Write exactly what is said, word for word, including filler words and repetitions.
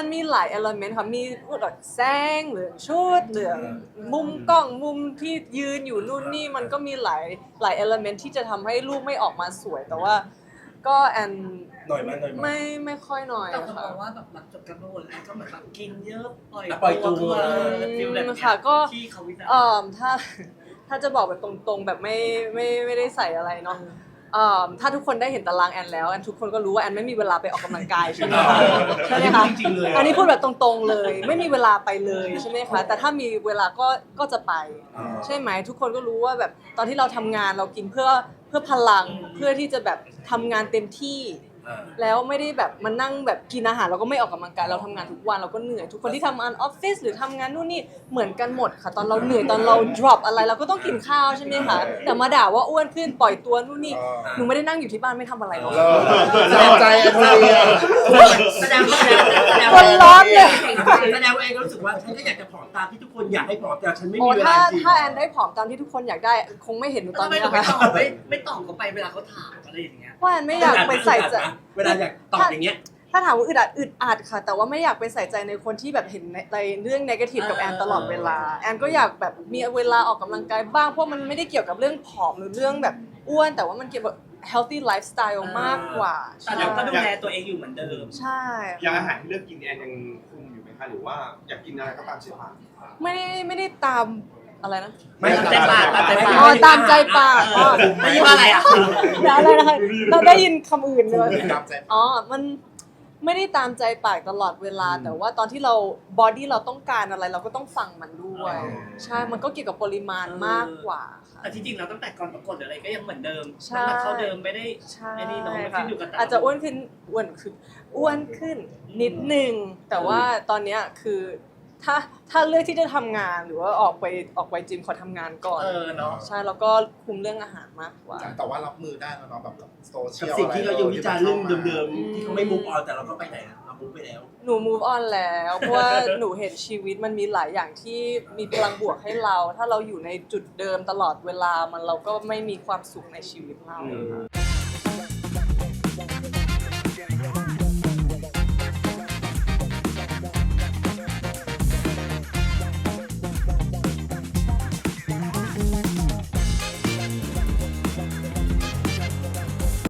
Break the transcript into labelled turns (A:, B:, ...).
A: มันมีหลายเอลเมนต์ค่ะมีแบบแสงเหลืองชุดเหลืองมุมกล้องมุมที่ยืนอยู่นู่นนี่มันก็มีหลายหลายเอลเมนต์ที่จะทำให้รูปไม่ออกมาสวยแต่ว่าก็แอน
B: หน่อยมั้ยหน่อยมั้ย
A: ไม่ไม่ค่อยหน่อย
C: แต่ผม
A: ค่ะ
C: มองว่าแบบหลังจบการประกวดแล้วก็เหมือนแบบกินเยอะปล่อย
B: ปล่อยตัว
C: ขึ้นมาฟิลแบบนี้
A: ค่ะก็
C: ที่เขาวิจาร
A: เอ่อ
C: ณ์
A: ถ้าถ้าจะบอกแบบตรงๆแบบไม่ไม่ไม่ได้ใส่อะไรเนาะเอ่อถ้าทุกคนได้เห็นตารางแอนแล้วแอนทุกคนก็รู้ว่าแอนไม่มีเวลาไปออกกำลังกายใช่ไหมคะใช่ไหมคะ
B: จริงๆเลย
A: อันนี้พูดแบบตรงๆเลย ไม่มีเวลาไปเลยใช่ไหมคะแต่ถ้ามีเวลาก็ก็จะไปใช่ไหมทุกคนก็รู้ว่าแบบตอนที่เราทำงานเรากินเพื่อเพื่อพลังเพื่อที่จะแบบทำงานเต็มที่แล้วไม่ได้แบบมานั่งแบบกินอาหารเราก็ไม่ออกกำลังกายเราทำงานทุกวันเราก็เหนื่อยทุกคนที่ทำงานออฟฟิศหรือทำงานนู่นนี่เหมือนกันหมดค่ะตอนเราเหนื่อยตอนเรา drop อะไรเราก็ต้องกินข้าวใช่ไหมคะแต่มาด่าว่าอ้วนขึ้นปล่อยตัวนู่นนี่หนูไม่ได้นั่งอยู่ที่บ้านไม่ทำอะไรหรอก
D: แรงใจอันเดียว
C: แสดงว่าแสดงว่า
A: คนร้อนเลย
B: แสดงว่าเองรู้สึกว่าฉันก็อยากจะผอมตามที่ทุกคนอยากให้ผอมแต่ฉันไม่
A: โอ้
B: มีเวลา
A: ถ้า
B: จริง
A: ถ้าแอนได้ผอมตามที่ทุกคนอยากได้คงไม่เห็นหนูต
C: ต
A: อ
C: อน น
A: นี้
C: นี้
A: นะ
C: ไม่
A: คะ
C: ตอบไม่ไม่ตอบเขาไปเวลาเขาถามอะไรอย่างเงี้ย
A: ว่าแอนไม่อยากไปใส่ใจ
B: เวลาอยากตอบอย่างเงี้ย
A: ถ้าถามว่าอึดอัดอึดอัดค่ะ แต่ว่าไม่อยากไปใส่ใจในคนที่แบบเห็นในเรื่อง negative กับแอนตลอดเวลาแอนก็อยากแบบมีเวลาออกกำลังกายบ้างเพราะมันไม่ได้เกี่ยวกับเรื่องผอมหรือเรื่องแบบอ้วนแต่ว่ามันเกี่ยวกับ healthy lifestyle มากกว่า
C: แต่เราก็ดูแลตัวเองอยู่เหมือนเดิม
A: ใช่
D: อย่างอาหารที่เลือกกินแอนยังคุมอยู่ไหมคะหรือว่าอยากกินอะไรก็ตามใจปาก
A: ไม่ได้ไม่ได้ตามอะไรนะ
B: ไม่
C: ตามใจปากตามใจปาก
A: อ๋อตามใจปากอ๋อ
C: ไม่ใช่ว่าอะไรอ่ะ
A: แล้วอะไรนะคะเราได้ยินคำอื่นเลย
D: ตามใจปาก
A: อ๋อ มันไม่ได้ตามใจปากตลอดเวลา แต่ว่าตอนที่เราบอดี้เราต้องการอะไรเราก็ต้องฟังมันด้วย ใช่ มันก็เกี่ยวกับปริมาณมากกว่าค่ะ
C: แต่ที่จริงเราตั้งแต่ก่อนประกวดหรืออะไรก็ยังเหมือนเดิม
A: ใช่
C: น้ำหนักเท่าเดิมไม่ได้
A: ใช่
C: ไอ้นี่เน้องมัน
A: ค่ะ
C: ขึ้นอยู่กับแต่ล
A: อาจจะอ้วนขึ้นอ้วนขึ้นอ้วนขึ้นนิดนึง แต่ว่าตอนเนี้ยคือถ้าถ้าเลือกที่จะทำงานหรือว่าออกไปออกไปจิมขอทำงานก่อน
C: เออเนาะ
A: ใช่ แล้วก็คุมเรื่องอาหารมากกว่า
D: แต่ว่ารับมือได้แล้วเนาะแบบกับโซเชี
B: กับ
D: ยล
B: สิ่งที่เรายังวิจารณ์เรื่องเดิม
A: อืม
B: ๆที่เขาไม่มุกออนแต่เราก็ไปไหนอะเรามุกไปแล้ว
A: หนู move on แล้วเพราะว่าหนูเห็นชีวิตมันมีหลายอย่างที่มีพลังบวกให้เรา ถ้าเราอยู่ในจุดเดิมตลอดเวลามันเราก็ไม่มีความสุขในชีวิตเรา
B: อืม
A: ค่ะ